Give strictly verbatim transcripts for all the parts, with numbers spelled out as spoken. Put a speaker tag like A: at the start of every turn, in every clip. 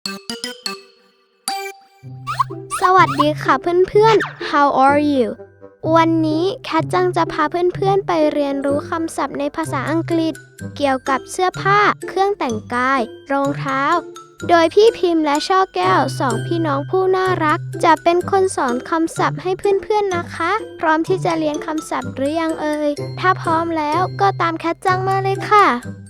A: สวัสดีค่ะเพื่อนๆ How are you วันนี้แคทจังจะพาเพื่อนๆไปเรียนรู้คำศัพท์ในภาษาอังกฤษเกี่ยวกับเสื้อผ้า เครื่องแต่งกาย รองเท้า โดยพี่พิมพ์และช่อแก้วสองพี่น้องผู้น่ารักจะเป็นคนสอนคำศัพท์ให้เพื่อนๆนะคะพร้อมที่จะเรียนคำศัพท์หรือยังเอ่ยถ้าพร้อมแล้วก็ตามแคทจังมาเลยค่ะ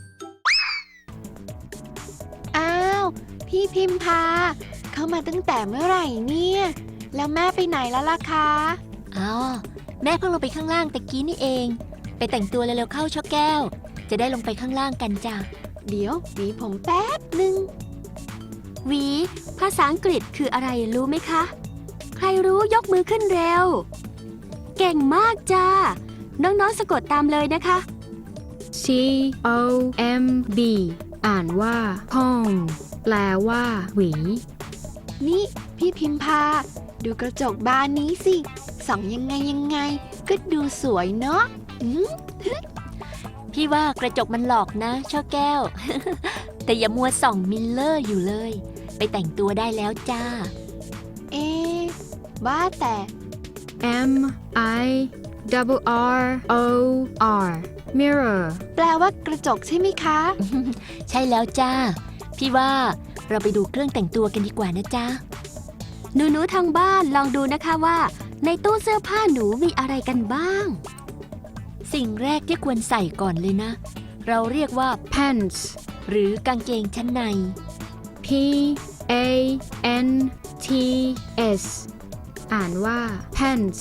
B: อ้าวพี่พิมพาเข้ามาตั้งแต่เมื่อไหร่เนี่ยแล้วแม่ไปไหนแล้วล่ะคะ
C: อ๋อแม่เพิ่งลงไปข้างล่างตะกี้นี่เองไปแต่งตัวเร็วๆเข้าช่อแก้วจะได้ลงไปข้างล่างกันจ้ะ
B: เดี๋ยวหวีผมแป๊บหนึ่ง
C: หวีภาษาอังกฤษคืออะไรรู้ไหมคะใครรู้ยกมือขึ้นเร็วเก่งมากจ้าน้องๆสะกดตามเลยนะคะ
D: C O M B อ่านว่า comb แปลว่าหวี
B: นี่พี่พิมพาดูกระจกบานนี้สิส่องยังไงยังไงก็ดูสวยเนาะอืม
C: พี่ว่ากระจกมันหลอกนะช่อแก้ว แต่อย่ามัวส่องมิลเลอร์อยู่เลยไปแต่งตัวได้แล้วจ้า
B: เอ๊ะว่าแต่
D: M I double R O R mirror
B: แปลว่ากระจกใช่ไหมคะ
C: ใช่แล้วจ้าพี่ว่าเราไปดูเครื่องแต่งตัวกันดีกว่านะจ๊ะหนูๆทางบ้านลองดูนะคะว่าในตู้เสื้อผ้าหนูมีอะไรกันบ้างสิ่งแรกที่ควรใส่ก่อนเลยนะเราเรียกว่า
D: pants
C: หรือกางเกงชั้นใน
D: P A N T S อ่านว่า pants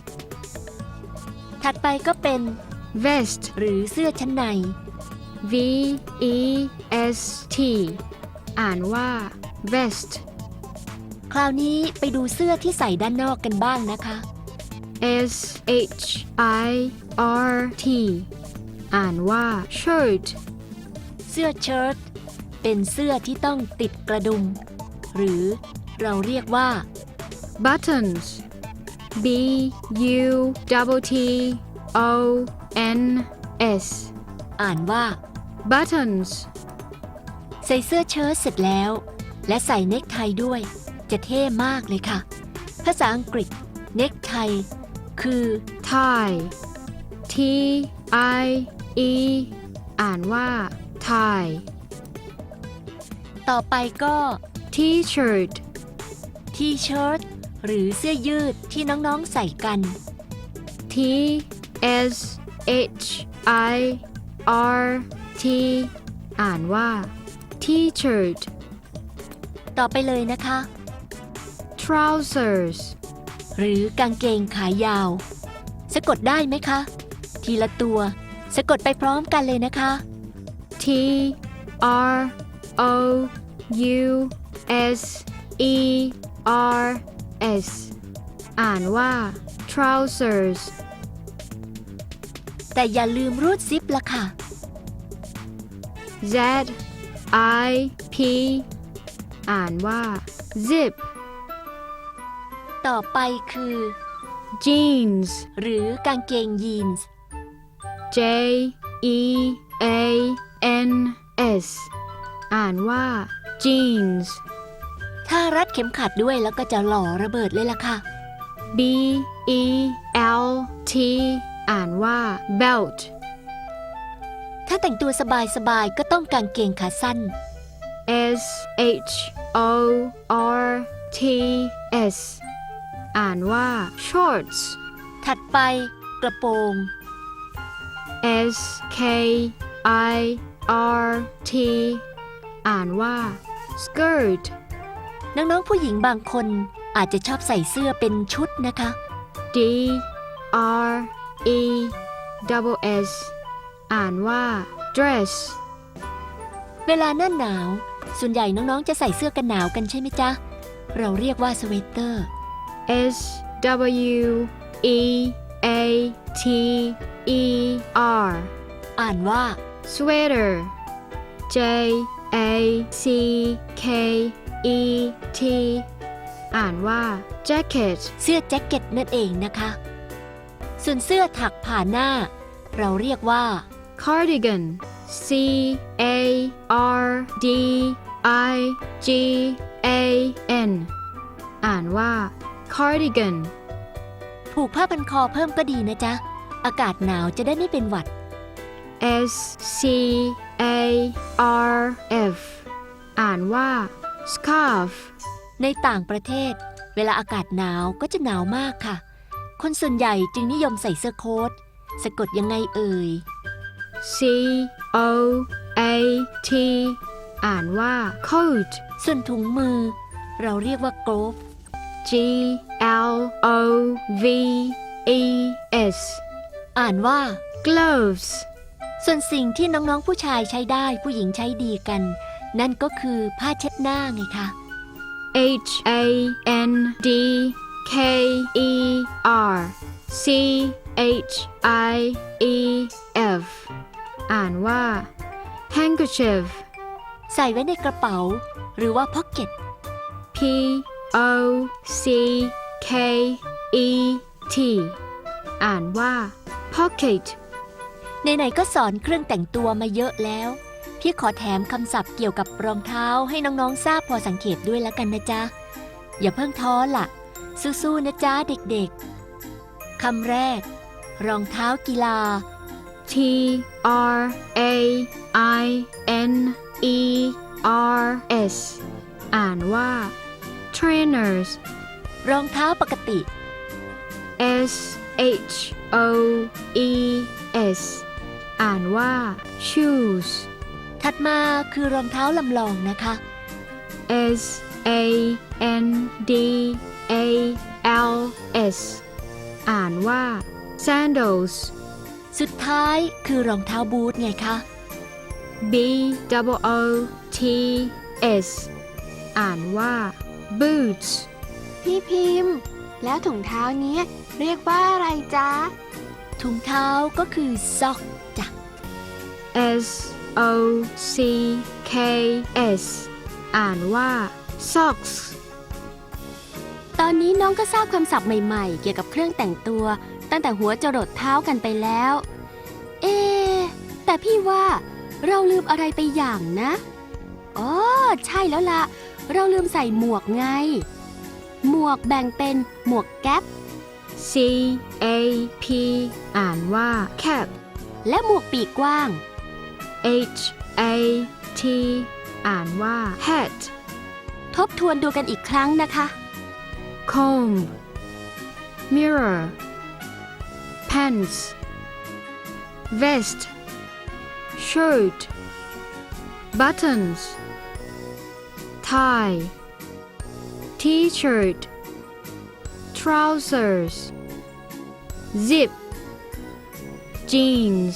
C: ถัดไปก็เป็น
D: vest
C: หรือเสื้อชั้นใน
D: V E S T อ่านว่า vest
C: คราวนี้ไปดูเสื้อที่ใส่ด้านนอกกันบ้างนะคะ
D: S H I R T อ่านว่า shirt
C: เสื้อเชิ้ตเป็นเสื้อที่ต้องติดกระดุมหรือเราเรียกว่า
D: buttons B U T T O N S
C: อ่านว่า
D: buttons
C: ใส่เสื้อเชิ้ตเสร็จแล้วและใส่เนคไทด้วยจะเท่มากเลยค่ะภาษาอังกฤษเนคไทคือ
D: tie T I E อ่านว่า tie
C: ต่อไปก็
D: t-shirt
C: ทีเชิ้ตหรือเสื้อยืดที่น้องๆใส่กัน
D: T S H I R T อ่านว่า t-shirt
C: ต่อไปเลยนะคะ
D: trousers
C: หรือกางเกงขายาวสะกดได้ไหมคะทีละตัวสะกดไปพร้อมกันเลยนะคะ
D: T R O U S E R S อ่านว่า trousers
C: แต่อย่าลืมรูดซิปละค่ะ
D: Z I P อ่านว่า zip
C: ต่อไปคือ
D: jeans
C: หรือกางเกงยีนส์
D: J E A N S อ่านว่า jeans
C: ถ้ารัดเข็มขัดด้วยแล้วก็จะหล่อระเบิดเลยล่ะค่ะ
D: B E L T อ่านว่า belt
C: ถ้าแต่งตัวสบายๆก็ต้องกางเกงขาสั้น
D: S H O R T S อ่านว่า shorts
C: ถัดไปกระโปรง
D: S K I R T อ่านว่า skirt
C: น้องๆผู้หญิงบางคนอาจจะชอบใส่เสื้อเป็นชุดนะคะ
D: D R E S S อ่านว่า dress
C: เวลาหน้าหนาวส่วนใหญ่น้องๆจะใส่เสื้อกันหนาวกันใช่ไหมจ๊ะเราเรียกว่าสเวตเตอร์
D: S W E A T E R
C: อ่านว่า
D: sweater J A C K E T อ่านว่า jacket
C: เสื้อแจ็คเก็ตนั่นเองนะคะส่วนเสื้อถักผ่าหน้าเราเรียกว่า
D: cardigan C A R D I G A N อ่านว่า cardigan
C: ผูกผ้าพันคอเพิ่มก็ดีนะจ๊ะ อากาศหนาวจะได้ไม่เป็นหวัด
D: S C A R F อ่านว่า scarf
C: ในต่างประเทศ เวลาอากาศหนาวก็จะหนาวมากค่ะ คนส่วนใหญ่จึงนิยมใส่เสื้อโค้ทสะกดยังไงเอ่ย
D: C O A T อ่านว่า coat
C: ส่วนถุงมือ เราเรียกว่า glove
D: G L O V E S
C: อ่านว่า
D: gloves
C: ส่วนสิ่งที่น้องๆผู้ชายใช้ได้ผู้หญิงใช้ดีกัน นั่นก็คือผ้าเช็ดหน้าไงคะ
D: H A N D K E R C H I E F อ่านว่า handkerchief
C: ใส่ไว้ในกระเป๋า หรือว่า pocket
D: P O C K E T อ่านว่า pocket
C: ไหนๆก็สอนเครื่องแต่งตัวมาเยอะแล้ว พี่ขอแถมคำศัพท์เกี่ยวกับรองเท้าให้น้องๆทราบพอสังเกตด้วยแล้วกันนะจ๊ะ อย่าเพิ่งท้อล่ะ สู้ๆนะจ๊ะเด็กๆ คำแรก รองเท้ากีฬา
D: T R A I N E R S อ่านว่า trainers
C: รองเท้าปกติ
D: S H O E S อ่านว่า shoes
C: ถัดมาคือรองเท้าลำลองนะคะ
D: S A N D A L S อ่านว่า sandals
C: สุดท้ายคือรองเท้าบูทไงคะ
D: B O O T S อ่านว่า boots
B: พี่พิมพ์ แล้วถุงเท้านี้เรียกว่าอะไรจ๊ะ
C: ถุงเท้าก็คือซอกจ้ะ
D: S O C K S อ่านว่า socks
C: ตอนนี้น้องก็ทราบคำศัพท์ใหม่ๆ เกี่ยวกับเครื่องแต่งตัว ตั้งแต่หัวจรดเท้ากันไปแล้ว เอ๊ะแต่พี่ว่าเราลืมอะไรไปอย่างนะอ๋อใช่แล้วล่ะ เราลืมใส่หมวกไง หมวกแบ่งเป็นหมวกแก๊ป
D: C A P อ่านว่า cap
C: และหมวกปีกกว้าง
D: H A T อ่านว่า hat
C: ทบทวนดูกันอีกครั้งนะคะ
D: comb mirror pants vest shirt buttons tie t-shirt trousers zip jeans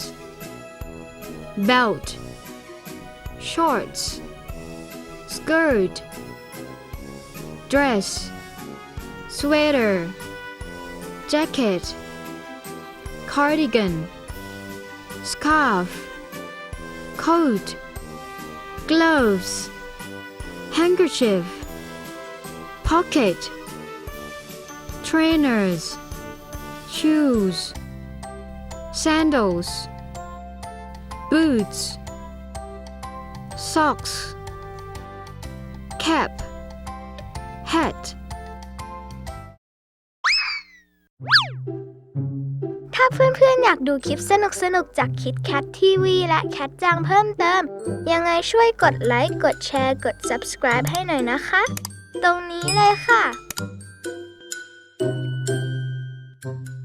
D: belt shorts skirt dress sweater jacket cardigan scarf coat gloves handkerchief pocket trainers shoes sandals boots socks cap hat
A: ถ้าเพื่อนๆอยากดูคลิปสนุกๆจากคิดแคททีวีและแคทจังเพิ่มเติม ยังไงช่วยกดไลค์ กดแชร์ กด Subscribe ให้หน่อยนะคะ ตรงนี้เลยค่ะ